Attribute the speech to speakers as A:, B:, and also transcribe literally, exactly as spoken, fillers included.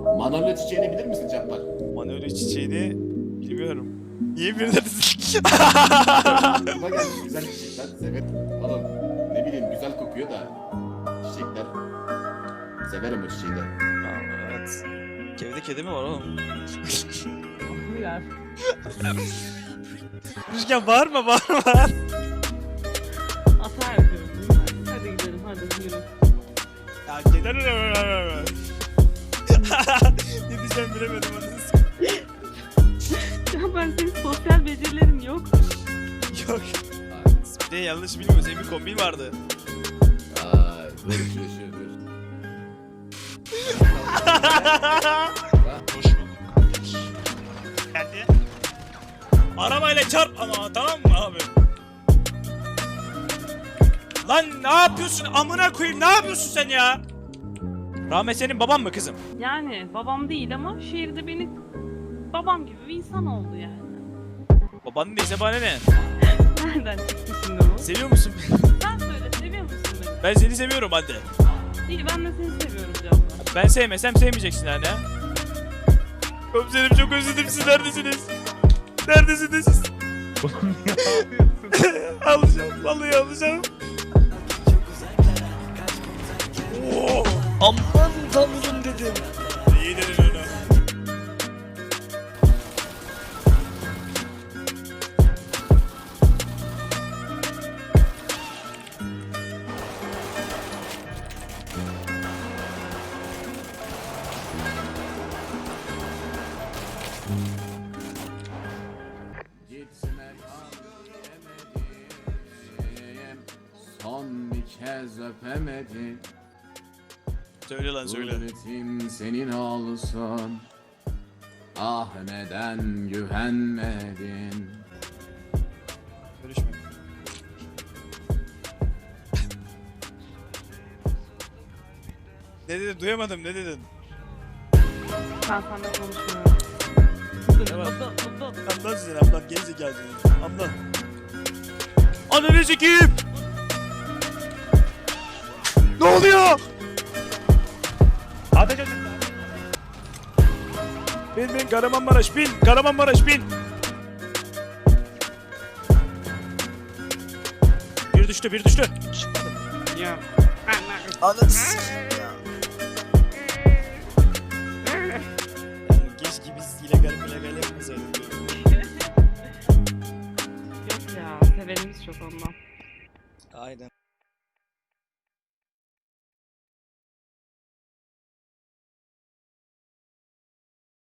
A: Manolya çiçeğini bilir misin Cabbar?
B: Manolya çiçeğini bilmiyorum. Niye bir neredesin?
A: Aklıma gelmiş güzel çiçekler. Severim. Oğlum ne bileyim güzel kokuyor da. Çiçekler. Severim o çiçeği de.
B: Evet. Evde kedi mi var oğlum?
C: Biraz.
B: Rüzgar bağırma bağırma.
C: Hata yapıyorum. Hadi gidelim hadi yürü.
B: Ya kedi... Ne diyeceğim bilemedim onu.
C: Ya ben senin sosyal becerilerin yok.
B: Yok. Bir de yanlış bilmiyorum. Senin bir kombin vardı.
A: Ay dur şu şu dur.
B: Hoş bulduk. Geldi. Arabayla çarp ama tamam mı abi? Lan ne yapıyorsun amına koyayım ne yapıyorsun sen ya? Rahmet senin baban mı kızım?
C: Yani babam değil ama şehirde beni babam gibi bir insan oldu yani.
B: Babanın neyse bana ne?
C: Nereden çıktı şimdi bu?
B: Seviyor musun?
C: Sen söyle seviyor musun beni?
B: Ben seni seviyorum anne.
C: İyi ben de seni seviyorum canım.
B: Ben sevmesem sevmeyeceksin anne. Komiserim çok özledim siz neredesiniz? Neredesiniz siz? Alacağım vallahi alacağım. Oo,
D: Aman tanrım dedim.
B: iyi dedin onu.
A: Gitme kal diyemedim. Son bir kez öpemedim.
B: Söyle lan söyle.
A: Kudretim senin olsun. Ah neden güvenmedin?
B: Görüşme. Ne dedin duyamadım ne dedin?
C: Ben seninle konuşmuyorum. Dur,
B: Ne var?
C: dur, dur, dur.
B: Anlat sen anlat gerizekalı seni. Anlat. Ananı sikeyim. Ne oluyor? Hadi çocuklar. Bin bin Kahramanmaraş bin. Kahramanmaraş bin. Bir düştü bir düştü.
C: Ya.
D: Anladın.